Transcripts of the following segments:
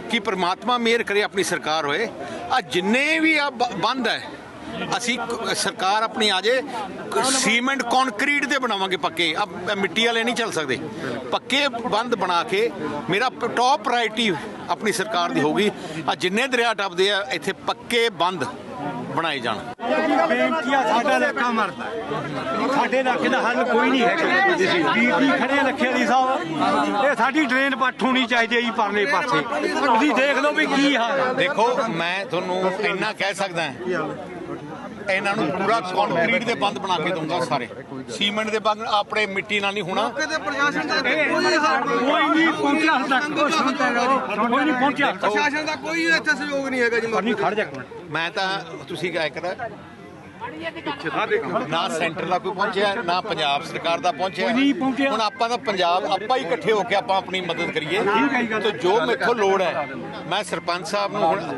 कि परमात्मा मेहर करे, अपनी सरकार होए। आ जिन्ने भी आ बंद है असी सरकार अपनी आ जाए सीमेंट कॉन्क्रीट दे बनावांगे पक्के। अब मिट्टी वाले नहीं चल सकते। पक्के बंद बना के मेरा टॉप प्रायोरिटी अपनी सरकार दी होगी। आ जिन्ने दरिया टपदे आ इत्थे पक्के बंद बनाए जाण। बेनती आ, साडा इलाका मरदा, साडे इलाके दा हल कोई नहीं है। बीबी खड़े रखे अली साहब, ये साडी ड्रेन पट होनी चाहिए जी परले पासे। तुसीं देख लो भी की हाल है। देखो मैं तुहानूं इन्ना कह सकदा इन्हां नूं पूरा कॉन्क्रीट दे बंद बना के दूंगा सारे। सीमेंट दे बंद अपने मिट्टी नाल नहीं होना। कोई नहीं पहुंचा हाल तक, कोई नहीं पहुंचा। प्रशासन का कोई इत्थे सहयोग नहीं है जी। नहीं खड़ जा मैं तो तुसीं क्या करा ना सेंटर का कोई पहुंचा ना पंजाब सरकार का पहुंचा। हुण आपां तां पंजाब आपां ही इकट्ठे होकर आपां अपनी मदद करिए। तो जो मेथों लोड़ है मैं सरपंच साहब नूं हुण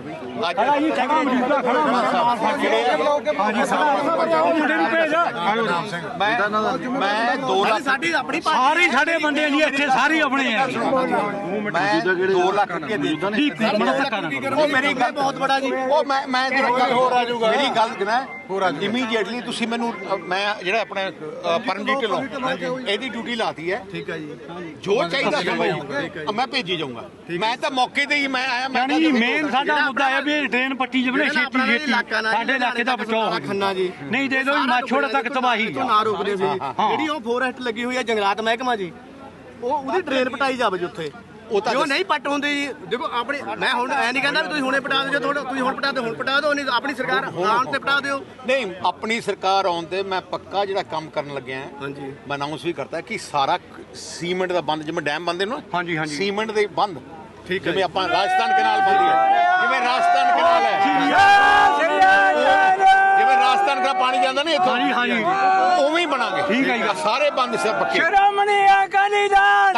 मैं 2 लाख सारे साडे बंदे जी इत्थे सारे अपने हैं। मैं 2 लाख रुपये दे मेरी गल बहुत बड़ा जी। मैं मेरी गल ना इमीडिएटली तुसीं मैनूं मैं जिहड़ा अपने परमजीत ढिल्लों इहदी ड्यूटी लाती है। ठीक है जी। जो चाहिए मैं भेजी जाऊंगा। मैं तो मौके ते ही मैं आया। यानी मेन साडा मुद्दा है भी ट्रेन पट्टी जबले छेती छेती साडे इलाके दा बचाओ खन्ना जी नहीं दे दो माछोड़ तक तबाही ना रोकदे सी। ਜਿਹੜੀ ਉਹ ਫੋਰੈਸਟ ਲੱਗੀ ਹੋਈ ਹੈ ਜੰਗਲਾਤ ਮਹਿਕਮਾ ਜੀ, ਉਹ ਉਹਦੀ ਟ੍ਰੇਨ ਪਟਾਈ ਜਾਵੇ ਜੀ ਉੱਥੇ। ਉਹ ਨਹੀਂ ਪੱਟ ਹੁੰਦੀ ਜੀ। ਦੇਖੋ ਆਪਣੀ ਮੈਂ ਹੁਣ ਐ ਨਹੀਂ ਕਹਿੰਦਾ ਵੀ ਤੁਸੀਂ ਹੁਣੇ ਪਟਾ ਦਿਓ। ਤੁਸੀਂ ਹੁਣ ਪਟਾ ਦਿਓ, ਹੁਣ ਪਟਾ ਦਿਓ। ਨਹੀਂ ਆਪਣੀ ਸਰਕਾਰ ਆਉਣ ਤੇ ਪਟਾ ਦਿਓ। ਨਹੀਂ ਆਪਣੀ ਸਰਕਾਰ ਆਉਣ ਤੇ ਮੈਂ ਪੱਕਾ ਜਿਹੜਾ ਕੰਮ ਕਰਨ ਲੱਗਿਆ ਹਾਂਜੀ ਮੈਂ ਅਨਾਉਂਸ ਵੀ ਕਰਤਾ ਕਿ ਸਾਰਾ ਸੀਮੈਂਟ ਦਾ ਬੰਦ, ਜਿਵੇਂ ਡੈਮ ਬੰਦੇ ਨੂੰ ਹਾਂਜੀ ਹਾਂਜੀ ਸੀਮੈਂਟ ਦੇ ਬੰਦ। ਠੀਕ ਹੈ। ਜਿਵੇਂ ਆਪਾਂ ਰਾਜਸਥਾਨ ਕਨਾਲ ਬੰਦੀ ਹੈ, ਜਿਵੇਂ ਰਾਜਸਥਾਨ ਕਨਾਲ ਹੈ, ਜਿਵੇਂ ਰਾਜਸਥਾਨ ਦਾ ਪਾਣੀ ਜਾਂਦਾ ਨਾ ਇੱਥੋਂ, ਹਾਂਜੀ ਹਾਂਜੀ ਉਵੇਂ ਹੀ ਬਣਾਂਗੇ। ਠੀਕ ਹੈ ਜੀ। ਸਾਰੇ ਬੰਦ ਸੇ ਪੱਕੇ। ਸ਼੍ਰੋਮਣੀ ਅਕਾਲੀ ਦਲ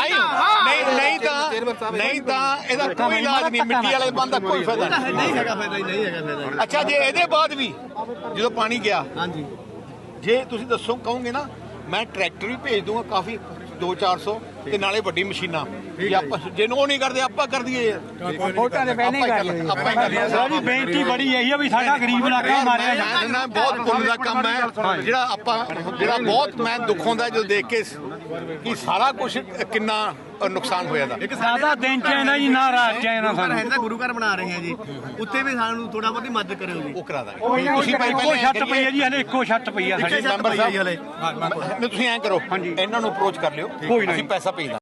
ਨਹੀਂ ਤਾਂ ਇਹਦਾ ਕੋਈ ਇਲਾਜ ਨਹੀਂ। ਮਿੱਟੀ ਵਾਲੇ ਬੰਦ ਦਾ ਕੋਈ ਫਾਇਦਾ ਨਹੀਂ। ਨਹੀਂ ਹੈਗਾ ਫਾਇਦਾ, ਨਹੀਂ ਹੈਗਾ ਫਾਇਦਾ। ਅੱਛਾ ਜੇ ਇਹਦੇ ਬਾਅਦ ਵੀ ਜਦੋਂ ਪਾਣੀ ਗਿਆ, ਹਾਂਜੀ ਜੇ ਤੁਸੀਂ ਦੱਸੋ ਕਹੋਗੇ ਨਾ ਮੈਂ ਟਰੈਕਟਰ ਵੀ ਭੇਜ ਦੂੰਗਾ ਕਾਫੀ 200-400 ਤੇ ਨਾਲੇ ਵੱਡੀ ਮਸ਼ੀਨਾਂ। ਜੇ ਆਪਾਂ ਜਿਹਨੂੰ ਉਹ ਨਹੀਂ ਕਰਦੇ ਆਪਾਂ ਕਰ ਦਈਏ ਯਾਰ। ਵੋਟਾਂ ਦੇ ਪਹਿਲੇ ਕਰ ਲਈਏ। ਆਪਾਂ ਹੀ ਕਰ ਲਈਏ। ਸਾਡੀ ਬੇਨਤੀ ਬੜੀ ਇਹੀ ਆ ਵੀ ਸਾਡਾ ਗਰੀਬ ਇਲਾਕਾ ਮਾਰਿਆ ਮੈਂ ਬਹੁਤ ਪੁੰਨ ਦਾ ਕੰਮ ਹੈ ਜਿਹੜਾ ਆਪਾਂ ਜਿਹੜਾ ਬਹੁਤ ਮੈਂ ਦੁੱਖ ਹੁੰਦਾ ਜਦੋਂ ਦੇਖ ਕੇ ਕਿ ਸਾਰਾ ਕੁਝ ਕਿੰਨਾ ਨੁਕਸਾਨ ਹੋਇਆ ਦਾ। ਇੱਕ ਸਾਦਾ ਦਿਨ ਚ ਨਾ ਜੀ ਨਾ ਰਾਤ ਚ ਨਾ ਸਾਨੂੰ ਹੈ ਤਾਂ ਗੁਰੂ ਘਰ ਬਣਾ ਰਹੇ ਆ ਜੀ, ਉੱਥੇ ਵੀ ਸਾਨੂੰ ਥੋੜਾ ਬਹੁਤੀ ਮਦਦ ਕਰਿਓ ਜੀ। ਉਹ ਕਰਾ ਦਾਂਗੇ। ਤੁਸੀਂ ਇੱਕੋ ਛੱਤ ਪਈ ਹੈ ਜੀ, ਹਲੇ ਇੱਕੋ ਛੱਤ ਪਈ ਆ ਸਾਡੀ। ਮੈਂਬਰ ਸਾਹਿਬ ਤੁਸੀਂ ਐਂ ਕਰੋ ਇਹਨਾਂ ਨੂੰ ਅਪਰੋਚ ਕਰ ਲਿਓ, ਅਸੀਂ ਪੈਸਾ ਭੇਜ ਦਾਂਗੇ।